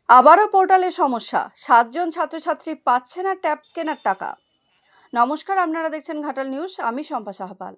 আবারও পোর্টালে সমস্যা, 7 জন ছাত্রছাত্রী পাচ্ছে না ট্যাব কেনার টাকা। নমস্কার, আপনারা দেখছেন ঘাটাল নিউজ। আমি শম্পা সাহাপাল।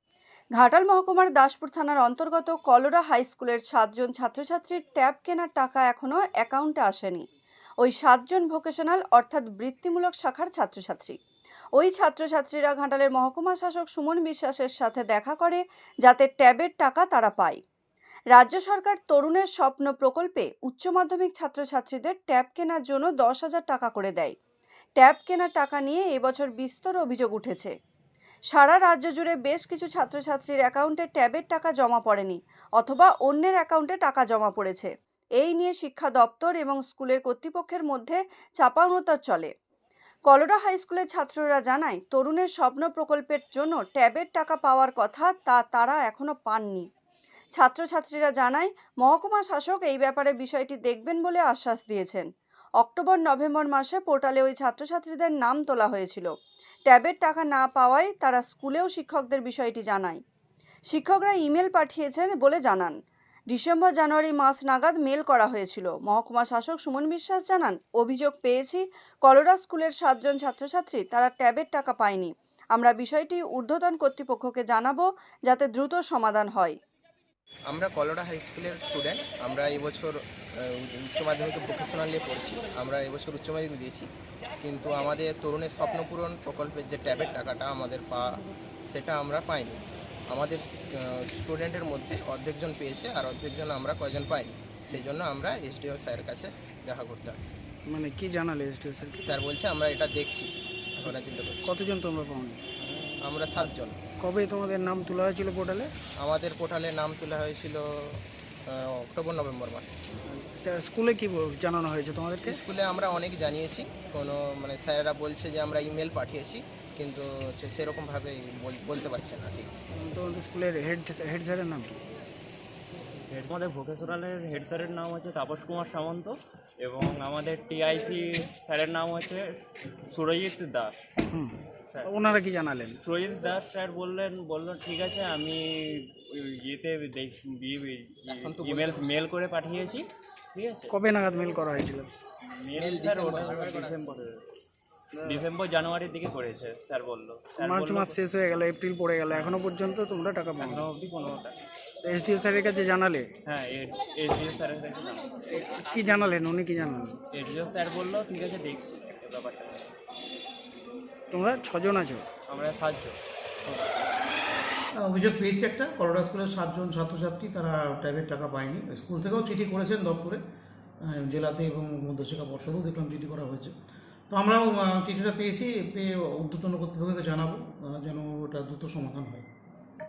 ঘাটাল মহকুমার দাসপুর থানার অন্তর্গত কলোরা হাই স্কুলের 7 জন ছাত্রছাত্রীর ট্যাব কেনার টাকা এখনও অ্যাকাউন্টে আসেনি। ওই 7 জন ভোকেশনাল অর্থাৎ বৃত্তিমূলক শাখার ছাত্রছাত্রী। ওই ছাত্রছাত্রীরা ঘাটালের মহকুমা শাসক সুমন বিশ্বাসের সাথে দেখা করে যাতে ট্যাবের টাকা তারা পায়। রাজ্য সরকার তরুণের স্বপ্ন প্রকল্পে উচ্চ মাধ্যমিক ছাত্রছাত্রীদের ট্যাব কেনার জন্য 10,000 টাকা করে দেয়। ট্যাব কেনার টাকা নিয়ে এবছর বিস্তর অভিযোগ উঠেছে। সারা রাজ্য জুড়ে বেশ কিছু ছাত্রছাত্রীর অ্যাকাউন্টে ট্যাবের টাকা জমা পড়েনি অথবা অন্যের অ্যাকাউন্টে টাকা জমা পড়েছে। এই নিয়ে শিক্ষা দপ্তর এবং স্কুলের কর্তৃপক্ষের মধ্যে চাপাউনতার চলে। কলোরা হাই স্কুলের ছাত্ররা জানায়, তরুণের স্বপ্ন প্রকল্পের জন্য ট্যাবের টাকা পাওয়ার কথা তারা এখনো পাননি। ছাত্রছাত্রীরা জানায়, মহকুমা শাসক এই ব্যাপারে বিষয়টি দেখবেন বলে আশ্বাস দিয়েছেন। অক্টোবর-নভেম্বর মাসে পোর্টালে ওই ছাত্রছাত্রীদের নাম তোলা হয়েছিল। ট্যাবের টাকা না পাওয়ায় তারা স্কুলেও শিক্ষকদের বিষয়টি জানায়। শিক্ষকরা ইমেল পাঠিয়েছেন বলে জানান। ডিসেম্বর-জানুয়ারি মাস নাগাদ মেল করা হয়েছিল। মহকুমা শাসক সুমন বিশ্বাস জানান, অভিযোগ পেয়েছি কলোরা স্কুলের 7 জন ছাত্রছাত্রী তারা ট্যাবের টাকা পায়নি। আমরা বিষয়টি ঊর্ধ্বতন কর্তৃপক্ষকে জানাবো যাতে দ্রুত সমাধান হয়। আমরা কলোরা হাই স্কুলের স্টুডেন্ট। আমরা এবছর উচ্চ মাধ্যমিকে ভোকেশনাল নিয়ে পড়ছি। আমরা এবছর উচ্চ মাধ্যমিক দিয়েছি, কিন্তু আমাদের তরুণের স্বপ্ন পূরণ প্রকল্পের যে ট্যাবের টাকাটা আমাদের পাওয়া, সেটা আমরা পাইনি। আমাদের স্টুডেন্টের মধ্যে অর্ধেকজন পেয়েছে আর অর্ধেকজন আমরা কয়জন পাইনি। সেই জন্য আমরা এসডিও স্যারের কাছে দেখা করতে আসছি। মানে কি জানালে এসডিও স্যার? স্যার বলছে আমরা এটা দেখছি, এখন চিন্তা করছি। কতজন তোমরা পাওনি? আমরা 7 জন। কবে তোমাদের নাম তোলা হয়েছিল পোর্টালে? আমাদের পোর্টালে নাম তোলা হয়েছিল অক্টোবর-নভেম্বর মাসে। স্কুলে কি জানানো হয়েছে তোমাদেরকে? স্কুলে আমরা অনেক জানিয়েছি, কোনো স্যারেরা বলছে যে আমরা ইমেল পাঠিয়েছি, কিন্তু সেরকমভাবে বলতে পারছে না ঠিক। তোমাদের স্কুলের হেড স্যারের নাম কি? আমাদের ভোকেশনালের হেড স্যারের নাম হচ্ছে তাপস কুমার সামন্ত এবং আমাদের টিআইসি স্যারের নাম হচ্ছে সুরজিৎ দাস। ওনারা কি জানালেন? সুরজিৎ দাস স্যার বললেন ঠিক আছে, আমি ইয়েতে মেল করে পাঠিয়েছি। ঠিক আছে, কবে নাগাদ মেল করা হয়েছিল? মেল স্যার ডিসেম্বর জানুয়ারির দিকে করেছে স্যার বললো। মার্চ মাস শেষ হয়ে গেল, এপ্রিল পড়ে গেল, এখনো পর্যন্ত তোমরা টাকা পাও? এখনো অবধি কোনো টাকা। এসডিও স্যারের কাছে জানালে? হ্যাঁ, এসডিও স্যারের কাছে কি জানালেন? উনি কি জানালেন? এসডিও স্যার বললো ঠিক আছে, দেখছি ব্যাপারটা। তোমরা 6 জন আছো? আমরা 7 জন। অভিযোগ পেয়েছি একটা, কলোরা স্কুলের 7 জন ছাত্রছাত্রী তারা ট্যাবের টাকা পায়নি। স্কুল থেকেও চিঠি করেছেন দপ্তরে, জেলাতে এবং মধ্যশিক্ষা পর্ষদেও দেখলাম চিঠি করা হয়েছে। তো আমরাও চিঠিটা পেয়েছি, পেয়ে ঊর্ধ্বতন কর্তৃপক্ষকে জানাবো যেন ওটা দ্রুত সমাধান হয়।